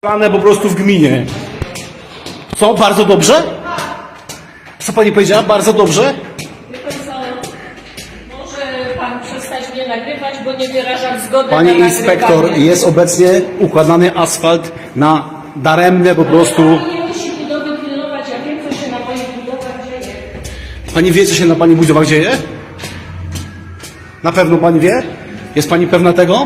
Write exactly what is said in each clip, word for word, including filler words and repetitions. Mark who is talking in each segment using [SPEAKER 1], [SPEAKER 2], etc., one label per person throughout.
[SPEAKER 1] Plane po prostu w gminie. Co? Bardzo dobrze? Co pani powiedziała? Bardzo dobrze?
[SPEAKER 2] Wie pan co, może pan przestać mnie nagrywać, bo nie wyrażam zgody
[SPEAKER 1] Pani
[SPEAKER 2] na
[SPEAKER 1] inspektor,
[SPEAKER 2] nagrywanie.
[SPEAKER 1] jest obecnie układany asfalt na daremne po prostu...
[SPEAKER 2] Pani nie musi budowy pilnować, ja wiem, co się na moich budowach dzieje.
[SPEAKER 1] Pani wie, co się na pani budowach dzieje? Na pewno pani wie? Jest pani pewna tego?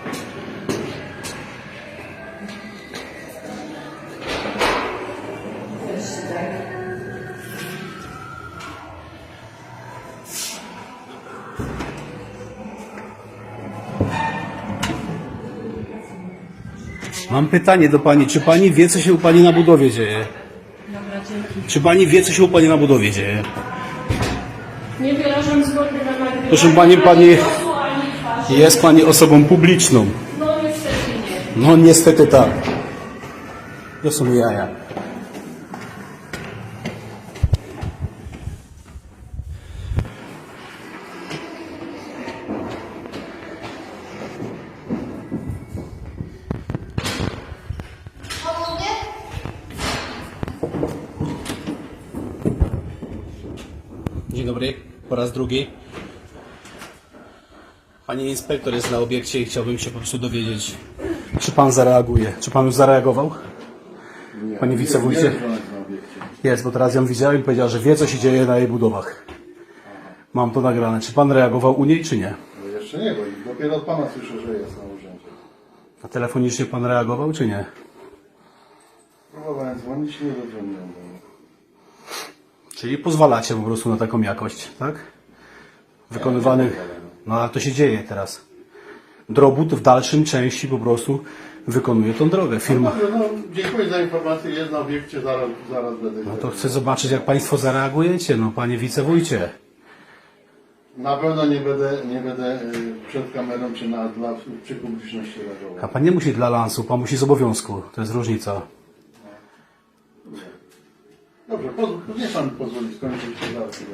[SPEAKER 1] Mam pytanie do pani. Czy pani wie, co się u pani na budowie dzieje?
[SPEAKER 2] Dobra, dzięki.
[SPEAKER 1] Czy pani wie, co się u pani na budowie dzieje?
[SPEAKER 2] Nie wyrażam zgody na nagrywanie.
[SPEAKER 1] Proszę pani,
[SPEAKER 2] ani
[SPEAKER 1] pani-
[SPEAKER 2] głosu, ani twarzy.
[SPEAKER 1] Jest pani osobą publiczną.
[SPEAKER 2] No niestety nie.
[SPEAKER 1] No niestety tak. To są jaja. Dzień dobry, po raz drugi. Pani inspektor jest na obiekcie i chciałbym się po prostu dowiedzieć, czy pan zareaguje. Czy pan już zareagował?
[SPEAKER 3] Nie,
[SPEAKER 1] Panie
[SPEAKER 3] nie,
[SPEAKER 1] wicewójcie?
[SPEAKER 3] nie jest żonek na obiekcie.
[SPEAKER 1] Jest, bo teraz ją widziałem i powiedziała, że wie, co się dzieje na jej budowach. Mam to nagrane. Czy pan reagował u niej, czy nie?
[SPEAKER 3] No jeszcze nie, bo dopiero od pana słyszę, że jest na urzędzie.
[SPEAKER 1] A telefonicznie pan reagował, czy nie?
[SPEAKER 3] Próbowałem dzwonić, nie dodzwoniłem do mnie.
[SPEAKER 1] Czyli pozwalacie po prostu na taką jakość, tak? Wykonywanych. No ale to się dzieje teraz. Drobut w dalszym części po prostu wykonuje tą drogę. Firma.
[SPEAKER 3] Dobrze, no, dziękuję za informację, jest na obiekcie, zaraz, zaraz będę.
[SPEAKER 1] No to chcę zobaczyć, jak państwo zareagujecie, no panie wicewójcie.
[SPEAKER 3] Na pewno nie będę, nie będę y, przed kamerą czy na, dla, przy publiczności
[SPEAKER 1] A
[SPEAKER 3] reagował.
[SPEAKER 1] pan nie musi dla lansu, pan musi z obowiązku. To jest różnica.
[SPEAKER 3] Dobrze, pozwól, niech pan pozwoli skończyć się zaraz. chwilę.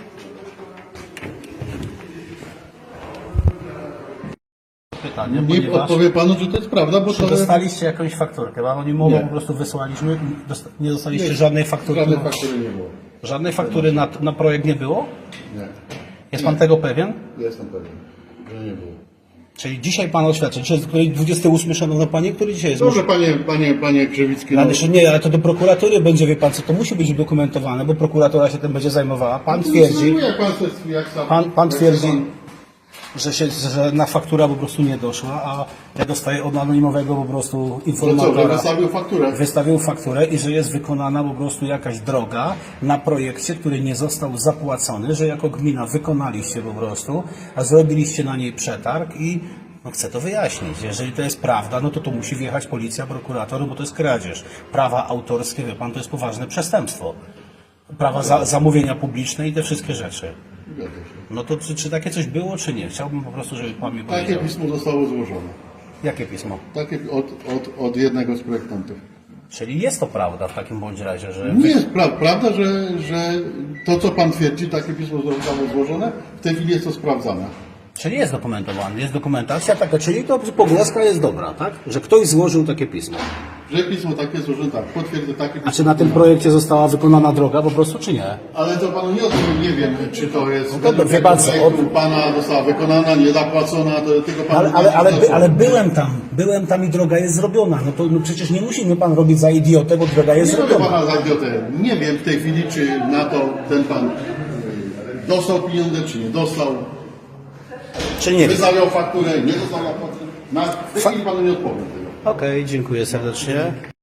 [SPEAKER 1] Pytanie,
[SPEAKER 3] Nie
[SPEAKER 1] ponieważ...
[SPEAKER 3] odpowie panu, że to jest prawda, bo
[SPEAKER 1] Czy
[SPEAKER 3] to
[SPEAKER 1] dostaliście jakąś fakturkę? Anonimowo
[SPEAKER 3] Nie.
[SPEAKER 1] po prostu wysłaliśmy. Dosta- Nie dostaliście żadnej faktury.
[SPEAKER 3] Żadnej faktury nie było.
[SPEAKER 1] Żadnej faktury na, na projekt nie było?
[SPEAKER 3] Nie,
[SPEAKER 1] Jest pan tego pewien?
[SPEAKER 3] jestem pewien, że nie było.
[SPEAKER 1] Czyli dzisiaj pan oświadcza. Czy jest który dwudziesty ósmy, szanowna pani, który dzisiaj jest?
[SPEAKER 3] Dobrze, panie, panie, panie Krzywicki.
[SPEAKER 1] Ale jeszcze nie, ale to do prokuratury będzie, wie pan co, to musi być udokumentowane, bo prokuratura się tym będzie zajmowała. Pan twierdzi,
[SPEAKER 3] Jak pan, se- jak sam,
[SPEAKER 1] pan, pan
[SPEAKER 3] jak
[SPEAKER 1] twierdzi,
[SPEAKER 3] pan-
[SPEAKER 1] że, się, że na faktura po prostu nie doszła, a ja dostaję od anonimowego po prostu
[SPEAKER 3] No co, że
[SPEAKER 1] informatora.
[SPEAKER 3] wystawił fakturę?
[SPEAKER 1] Wystawił fakturę i że jest wykonana po prostu jakaś droga na projekcie, który nie został zapłacony, że jako gmina wykonaliście po prostu, a zrobiliście na niej przetarg i no chcę to wyjaśnić. Jeżeli to jest prawda, no to tu musi wjechać policja, prokurator, bo to jest kradzież. Prawa autorskie, wie pan, to jest poważne przestępstwo. Prawa za, zamówienia publiczne i te wszystkie rzeczy.
[SPEAKER 3] Zgadza się.
[SPEAKER 1] No to czy, czy takie coś było, czy nie? Chciałbym po prostu, żeby pan mi
[SPEAKER 3] Takie
[SPEAKER 1] powiedział.
[SPEAKER 3] pismo zostało złożone.
[SPEAKER 1] Jakie pismo?
[SPEAKER 3] Takie od, od, od jednego z projektantów.
[SPEAKER 1] Czyli jest to prawda w takim bądź razie, że...
[SPEAKER 3] Nie jest pra prawda, że, że to, co pan twierdzi, takie pismo zostało złożone, w tej chwili jest to sprawdzane.
[SPEAKER 1] Czyli jest dokumentowany, jest dokumentacja taka, czyli to pogłoska jest dobra, tak? Że ktoś złożył takie pismo.
[SPEAKER 3] Że pismo takie złożone, tak, potwierdzę takie pismo.
[SPEAKER 1] A czy na tym projekcie została wykonana droga po prostu, czy nie?
[SPEAKER 3] Ale to panu nie odpowiem, nie wiem, czy to jest...
[SPEAKER 1] No to
[SPEAKER 3] według
[SPEAKER 1] wie pan co,
[SPEAKER 3] projektu
[SPEAKER 1] od-
[SPEAKER 3] pana została wykonana, nie zapłacona, to tylko pan...
[SPEAKER 1] Ale, ale, ale, by, ale byłem tam, byłem tam i droga jest zrobiona. No to no przecież nie musi mnie pan robić za idiotę, bo droga jest
[SPEAKER 3] Nie robię
[SPEAKER 1] zrobiona.
[SPEAKER 3] pana za idiotę. Nie wiem w tej chwili, czy na to ten pan y, dostał pieniądze, czy nie dostał.
[SPEAKER 1] Czy nie wiem?
[SPEAKER 3] Wystawiał fakturę, nie dostał faktury. Na w tej chwili panu nie odpowiem tego.
[SPEAKER 1] Okej, dziękuję serdecznie.